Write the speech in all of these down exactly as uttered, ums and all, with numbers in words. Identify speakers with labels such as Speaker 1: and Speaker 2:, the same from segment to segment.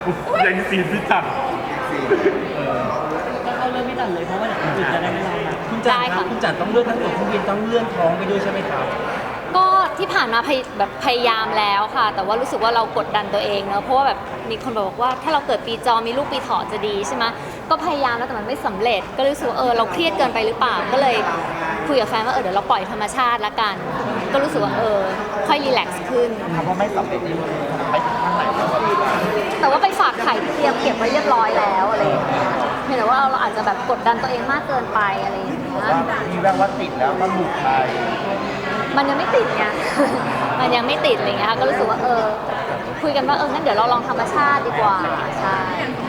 Speaker 1: ยังซีนพี่จัด
Speaker 2: ก็เข้าเรื่องไม่ตัดเลยเพราะว่าเดี๋ยวคนอื่นจะได้ไม่รอนะ
Speaker 3: คุณจันครับคุณจันต้องเลื่อนทั้งตัวเครื่องบินต้องเลื่อนท้องไปด้วยใช่ไหมครับ
Speaker 4: ก็ที่ผ่านมาพยแบบพยายามแล้วค่ะแต่ว่ารู้สึกว่าเรากดดันตัวเองเนอะเพราะว่าแบบมีคนบอกว่าถ้าเราเกิดปีจอมีลูกปีเถาะจะดีใช่ไหมก็พยายามแล้วแต่มันไม่สำเร็จก็รู้สึกว่าเออเราเครียดเกินไปหรือเปล่าก็เลยคุยกับแฟนว่าเออเดี๋ยวเราปล่อยธรรมชาติละกันก็รู้สึกว่าเออค่อยรีแลกซ์ขึ้น
Speaker 1: คำว่าไม่สำเร็จนี่ไปถึงขั้นไหนแล้ว
Speaker 4: แต่ว่าไปฝากไข่ที่เตรียมเก็บไว้เรียบร้อยแล้วอะไรอย่างเงี้ยเพียงแต่ว่าเราอาจจะแบบกดดันตัวเองมากเกินไปอะไรอย่างเงี้ย
Speaker 1: มีแววว่าติดแล้วมันหลุดไป
Speaker 4: มันยังไม่ติดไง มันยังไม่ติดอะไรเงี้ยค่ะก็รู้สึกว่าเออคุยกันว่าเอองั้นเดี๋ยวเราลองธรรมชาติดีกว่าใช่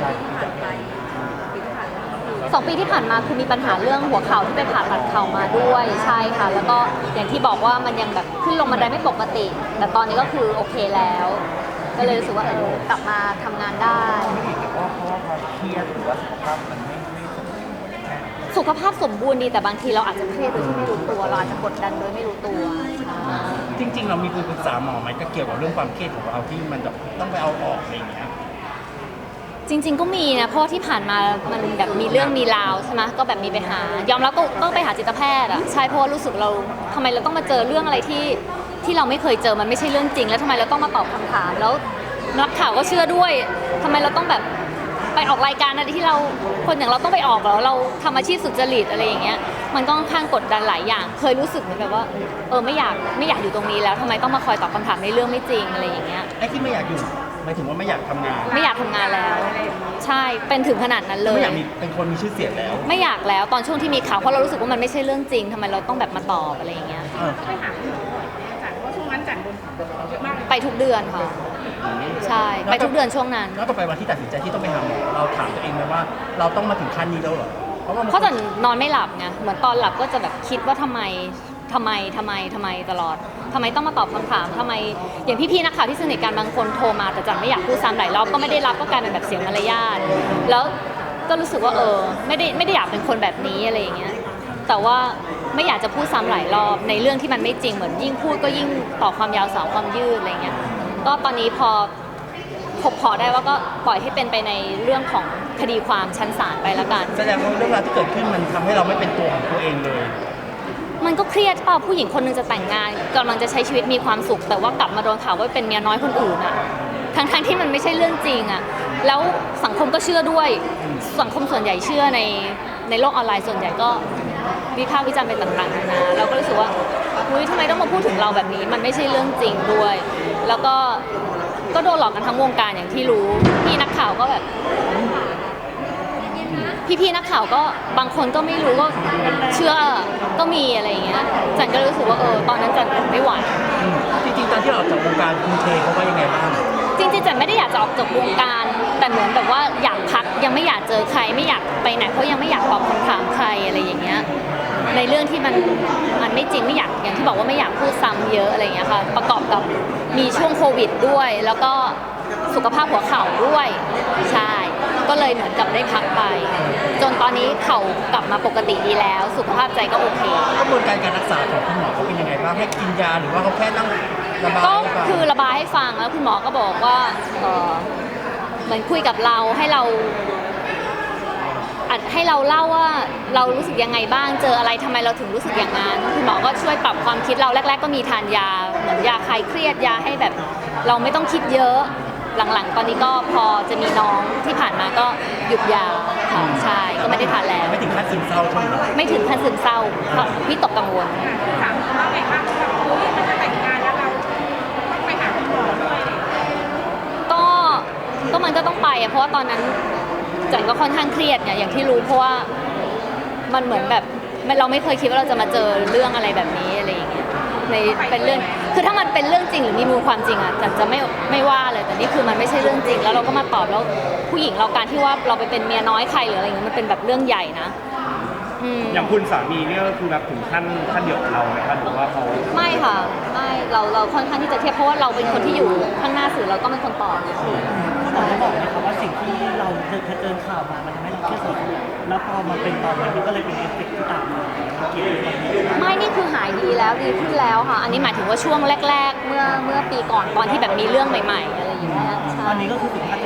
Speaker 4: สองปีที่ผ่านมาคือมีปัญหาเรื่องหัวเข่าที่ไปผ่าตัดเข่ามาด้วยใช่ค่ะแล้วก็อย่างที่บอกว่ามันยังแบบขึ้นลงบันไดไม่ปกติแต่ตอนนี้ก็คือโอเคแล้วก็เลยรู้สึกว่าเออกลับมาทำงานได้
Speaker 1: เพราะเพราะว่าความเครียดหรือว่าสุขภาพมันไม่ไม่สมบูรณ์
Speaker 4: สุขภาพสมบูรณ์ดีแต่บางทีเราอาจจะเครียดโดยที่ไม่รู้ตัวเราอาจจะกดดันโดยไม่รู้ตัว
Speaker 3: จริงๆเรามีคุยปรึกษาหมอไหมก็เกี่ยวกับเรื่องความเครียดของเราที่มันแบบต้องไปเอาออกอะไรอย่างเงี้ย
Speaker 4: จริงๆก็มีนะเพราะที่ผ่านมามันแบบมีเรื่องมีราวใช่ไหมก็แบบมีไปหายอมรับก็ต้องไปหาจิตแพทย์อ่ะใช่เพราะรู้สึกเราทำไมเราต้องมาเจอเรื่องอะไรที่ที่เราไม่เคยเจอมันไม่ใช่เรื่องจริงแล้วทำไมเราต้องมาตอบคำถามแล้วนักข่าวก็เชื่อด้วยทำไมเราต้องแบบไปออกรายการอะไรที่เราคนอย่างเราต้องไปออกแล้วเราทำอาชีพสุจริตอะไรอย่างเงี้ยมันก็ค่อนข้างกดดันหลายอย่างเคยรู้สึกเหมือนแบบว่าเออไม่อยากไม่อยากอยู่ตรงนี้แล้วทำไมต้องมาคอยตอบคำถามในเรื่องไม่จริงอะไรอย่างเงี้ย
Speaker 3: ไอ้ที่ไม่อยากอยู่หมายถึงว่าไม่อยากทำงาน
Speaker 4: ไม่อยากทำงานแล้วใช่เป็นถึงขนาดนั้นเลย
Speaker 3: ไม่อยากมีเป็นคนมีชื่อเสียงแล้ว
Speaker 4: ไม่อยากแล้วตอนช่วงที่มีข่าวเพราะเรารู้สึกว่ามันไม่ใช่เรื่องจริงทำไมเราต้องแบบมาตอบอะไรอย่างเงี้ย
Speaker 2: ก็ไปหาคุณหมอจัดเพราะช่วงนั้นจัดโดนเยอะมาก
Speaker 4: ไปทุกเดือนค่ะใช่ไปทุกเดือนช่วงนั้น
Speaker 3: แล้วต่อไปวันที่ตัดสินใจที่ต้องไปหาหมอเราถามตัวเองไหมว่าเราต้องมาถึงขั้นนี้แล้วเหรอ
Speaker 4: เพราะว่าเพราะแต่นอนไม่หลับไงเหมือนตอนหลับก็จะแบบคิดว่าทำไมทำไมทำไมทำไมตลอดทำไมต้องมาตอบคำถามทำไมอย่างพี่ๆนักข่าวที่สนิทกันบางคนโทรมาแต่จันไม่อยากพูดซ้ำหลายรอบก็ไม่ได้รับก็กลายเป็นแบบเสียมารยาทแล้วก็รู้สึกว่าเออไม่ได้ไม่ได้อยากเป็นคนแบบนี้อะไรอย่างเงี้ยแต่ว่าไม่อยากจะพูดซ้ำหลายรอบในเรื่องที่มันไม่จริงเหมือนยิ่งพูดก็ยิ่งต่อความยาวสาวความยืดอะไรเงี้ยก็ตอนนี้พอพบพอได้ว่าก็ปล่อยให้เป็นไปในเรื่องของคดีความชั้นศาลไปแล้วกัน
Speaker 3: แสดงว่าเรื่องราวที่เกิดขึ้นมันทำให้เราไม่เป็นตัวของตัวเองเลย
Speaker 4: มันก็เครียดเปล่าผู้หญิงคนนึงจะแต่งงานกำลังจะใช้ชีวิตมีความสุขแต่ว่ากลับมาโดนข่าวว่าเป็นเมียน้อยคนอื่นอะทั้งๆ ท, ที่มันไม่ใช่เรื่องจริงอะแล้วสังคมก็เชื่อด้วยสังคมส่วนใหญ่เชื่อในในโลกออนไลน์ส่วนใหญ่ก็วิพากษ์วิจารณ์ไปต่างๆนานาเราก็รู้สึกว่าอุ๊ยทำไมต้องมาพูดถึงเราแบบนี้มันไม่ใช่เรื่องจริงด้วยแล้วก็ก็โดนหลอกกันทั้งวงการอย่างที่รู้พี่นักข่าวก็แบบพี่ๆนักข่าวก็บางคนก็ไม่รู้ก็เชื่อก็มีอะไรอย่างเงี้ยจันก็รู้สึกว่าเออตอนนั้นจันไม่ไหว
Speaker 3: จริงๆตอนที่เราออกจากวงการคุณเทเขาว่ายังไงบ้าง
Speaker 4: จริงๆจันไม่ได้อยากจะออกจากวงการแต่เหมือนแบบว่าอยากพักยังไม่อยากเจอใครไม่อยากไปไหนเพราะยังไม่อยากตอบคำถามใครอะไรอย่างเงี้ยในเรื่องที่มันมันไม่จริงไม่อยากอย่างที่บอกว่าไม่อยากพูดซ้ำเยอะอะไรอย่างเงี้ยค่ะประกอบกับมีช่วงโควิดด้วยแล้วก็สุขภาพหัวเข่าด้วยใช่ก็เลยเหมือนกับได้พักไปจนตอนนี้เข่ากลับมาปกติดีแล้วสุขภาพใจก็โอเค
Speaker 3: กระบวนการการรักษาของคุณหมอเขาเป็นยังไงบ้างให้กินยาหรือว่าเขาแค่นั่งระบาย
Speaker 4: ก็คือระบายให้ฟังแล้วคุณหมอก็บอกว่าเออเหมือนคุยกับเราให้เราอัดให้เราเล่าว่าเรารู้สึกยังไงบ้างเจออะไรทำไมเราถึงรู้สึกอย่างนั้นคุณหมอก็ช่วยปรับความคิดเราแรกๆก็มีทานยาเหมือนยาคลายเครียดยาให้แบบเราไม่ต้องคิดเยอะหลังๆตอนนี้ก็พอจะมีน้องที่ผ่านมาก็หยุดยาค่ะใช่ก็ไม่ได้ทานแล้ว
Speaker 3: ไม่ถึงขั้นซึมเศร้าใช่ไหม
Speaker 4: ไม่ถึงขั้นซึมเศร้าพี่ตกกังวล
Speaker 2: ถามว่าไงบ้างว่ามันจะแต่งงานแล้วเราต้องไปหาคุณหมอด้วย
Speaker 4: ก็ก็มันก็ต้องไปเพราะว่าตอนนั้นจันก็ค่อนข้างเครียดเนี่ยอย่างที่รู้เพราะว่ามันเหมือนแบบเราไม่เคยคิดว่าเราจะมาเจอเรื่องอะไรแบบนี้อะไรอย่างเงี้ยในเป็นเรื่องคือถ้ามันเป็นเรื่องจริงหรือมีมูลความจริงอ่ะจันจะไม่ไม่ว่าเลยแต่นี่คือมันไม่ใช่เรื่องจริงแล้วเราก็มาตอบแล้วผู้หญิงเราการที่ว่าเราไปเป็นเมียน้อยใครหรืออะไรเงี้ยมันเป็นแบบเรื่องใหญ่นะ
Speaker 1: อย่างคุณสามีเนี่ยก็คือแบบถึงขั้นขั้นเดียวกับเราไหมคะหรือว่าเขา
Speaker 4: ไม่ค่ะไม่เราเราค่อนข้างที่จะเทียบเพราะว่าเราเป็นคนที่อยู่ข้างหน้าสื่อเราก็เป็นคนตอบนะ
Speaker 2: หมอได้บอกไหมคะว่าสิ่งที่เราเจอข่าวมามันทำให้เราเครียดสุดแล้วพอมันเป็นตอนนี้มันก็เลยเป็นเอฟเฟกต์ที่ตามมาเกี่ยวกับ
Speaker 4: ไม่นี่คือหายดีแล้วดีขึ้นแล้วค่ะอันนี้หมายถึงว่าช่วงแรกๆเมื่อเมื่อปีก่อนตอนที่แบบมีเรื่องใหม่ๆอะไรอย่างเงี้ย
Speaker 2: ตอนนี้ก็คือสุขภาพดี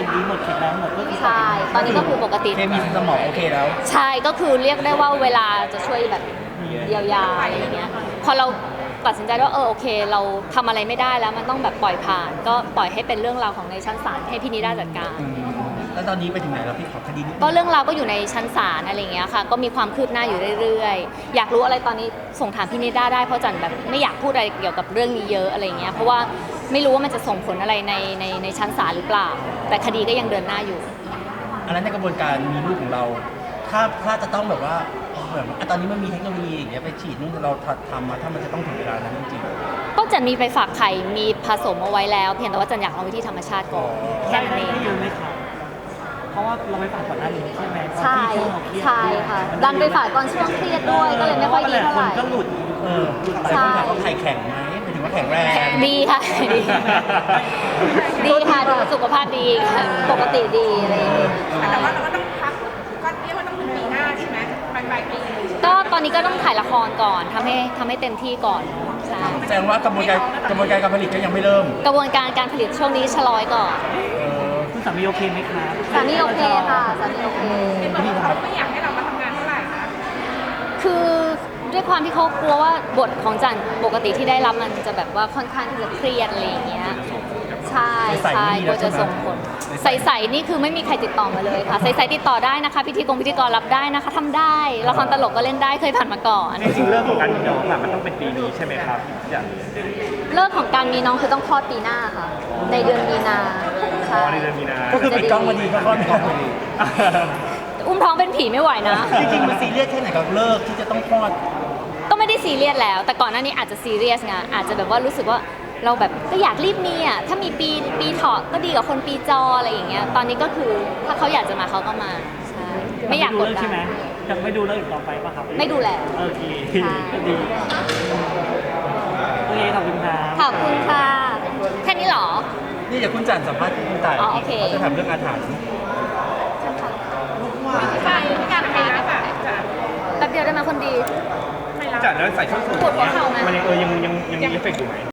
Speaker 2: นดีหมดแข็งแรงหมดก็คือ
Speaker 4: ใช่ ตอนนี้ก็คือปกติ
Speaker 3: เคมีสมองโอเคแล้ว
Speaker 4: ใช่ก็คือเรียกได้ว่าเวลาจะช่วยแบบเยียวยาอะไรอย่างเงี้ยพอเราตัดสินใจว่าเออโอเค เราทำอะไรไม่ได้แล้วมันต้องแบบปล่อยผ่าน ก็ปล่อยให้เป็นเรื่องราวของในชั้นศาลให้พี่นิด้าจัดการ
Speaker 3: อืมแล้วตอนนี้ไปถึงไหนแล้วพี่ขอคดีนิดนึง
Speaker 4: ก็เรื่องราวก็อยู่ในชั้นศาลอะไรอย่างเงี้ยค่ะ ก็มีความคืบหน้าอยู่เรื่อยๆ อยากรู้อะไรตอนนี้ส่งถามพี่นิด้าได้เพราะจันแบบไม่อยากพูดอะไรเกี่ยวกับเรื่องนี้เยอะอะไรเงี้ยเพราะว่าไม่รู้ว่ามันจะส่งผลอะไรในในในชั้นศาลหรือเปล่า แต่คดีก็ยังเดินหน้าอยู่
Speaker 3: อันนั้นในกระบวนการมีลูกของเรา ถ้าถ้าจะต้องแบบว่าเหมือนอ่ะตอนนี้มันมีเทคโนโลยีอย่างเงี้ยไปฉีดนู่นเราทำมาถ้ามันจะต้องถึงเวลานั้นจริง
Speaker 4: ก็จันมีไปฝากไข่มีผสมเอาไว้แล้ว เพียงแต่ว่าจันอยากลองวิธีธรรมชาติก่อนแค่
Speaker 2: ได้
Speaker 4: นั้น
Speaker 2: ได้
Speaker 4: เอง
Speaker 2: ได้เยอะไหมครับเพราะว่าเราไปฝากก่อนหน้านี้ใช่ไหมตอน
Speaker 4: ใช่
Speaker 2: ที่ช่วงเราเครียด
Speaker 4: ใช่ค่ะ ดันไปฝากตอนช่วงเครียดด้วยก็เลยไม่ค่อยดีเท่าไหร่
Speaker 2: พะว่หลายคนก็หลุด
Speaker 3: ๆ เออ
Speaker 4: ใช่
Speaker 3: หลายคนถามว่าไข่แข็งไหมหมายถึงว่าแข็งแรง
Speaker 4: ดีค่ะ ดีดีค่ะดูสุขภาพดีค่ะปกติดีอะไรอย่างเงี้ย
Speaker 5: แต่ว่าเราก็ต้องพักก็เรียกว่าต้องเป็นปีหน้าใช่ไหมปลายปลายปี
Speaker 4: ก็ตอนนี้ก็ต้องถ่ายละครก่อนทำให้ทำให้เต็มที่ก่อนใช่
Speaker 3: แสดงว่ากระบวนการกระบวนการการผลิตก็ยังไม่เริ่ม
Speaker 4: กระบวนการการผลิตช่วงนี้ชะลอยก่อน
Speaker 3: เออ
Speaker 2: คุณสามีโอเคไหมครับ
Speaker 4: สามีโอเคค่ะสามีโอเค
Speaker 5: เขาไม่อยากให้เรามาทำงานเท่าไหร่นะ
Speaker 4: คือด้วยความที่เขากลัวว่าบทของจันปกติที่ได้รับมันจะแบบว่าค่อนข้างที่จะเครียดอะไรอย่างเงี้ยใช่ใช่กลัวจะส่งผลใสๆนี่คือไม่มีใครติดต่อมาเลยค่ะใสๆติดต่อได้นะคะพิธีกรพิธีกรรับได้นะคะทำได้ละครตลกก็เล่นได้เคยผ่านมาก่อน
Speaker 1: จริงๆเรื่องของการมีน้องอะมันต้องเป็นปีนี้ใช่ไหมครับอย่าง
Speaker 4: เลิกของการมีน้องคือต้องคลอดปีหน้าค่ะ ในเดือนมีนา
Speaker 1: อ๋
Speaker 4: ใช่
Speaker 1: อในเดือนมีนา
Speaker 3: ก็คือปิดกล้องพอดีก็คลอดท้องพอดี
Speaker 4: อุ้มท้องเป็นผีไม่ไหวนะ
Speaker 3: จริงๆมันซีเรียสแค่ไหนกับเลิกที่จะต้องคลอด
Speaker 4: ก็ไม่ได้ซีเรียสแล้ว แต่ก่อนหน้านี้อาจจะซีเรียสไงอาจจะแบบว่ารู้สึกว่าเราแบบก็อยากรีบมีอ่ะถ้ามีปีปีเถาะก็ดีกว่าคนปีจออะไรอย่างเงี้ยตอนนี้ก็คือถ้าเขาอยากจะมาเขาก็มาใช่ไม่อยากกด
Speaker 2: เลิ
Speaker 4: ดั
Speaker 2: ใช่ไหม
Speaker 4: น
Speaker 2: ยังไม่ดูเลิกอีกต่อไปป่ะครับ
Speaker 4: ไม่ดูแล
Speaker 2: โอเค
Speaker 4: ใช่
Speaker 2: ก็ดีโอเคขอบคุณครับ
Speaker 4: ขอบคุณค่ะ แค่นี้เหรอ
Speaker 3: นี่เดี๋ยวคุณจันสัมภาษณ์คุณต่าย
Speaker 4: อ๋อโอเค
Speaker 3: เขาจะถามเรื่องอาถรรพ์
Speaker 5: ใช่ไม่การไปรับอ่ะจะ
Speaker 4: แป๊บเดียวได้ไหมคนดี
Speaker 5: ไม่รับ
Speaker 1: จัดแล้วใส่ส้นสูง
Speaker 4: ปวดหัวเข่าไหม
Speaker 1: มันยังเออยังยังยังมีเอฟเฟกต์อยู่ไหม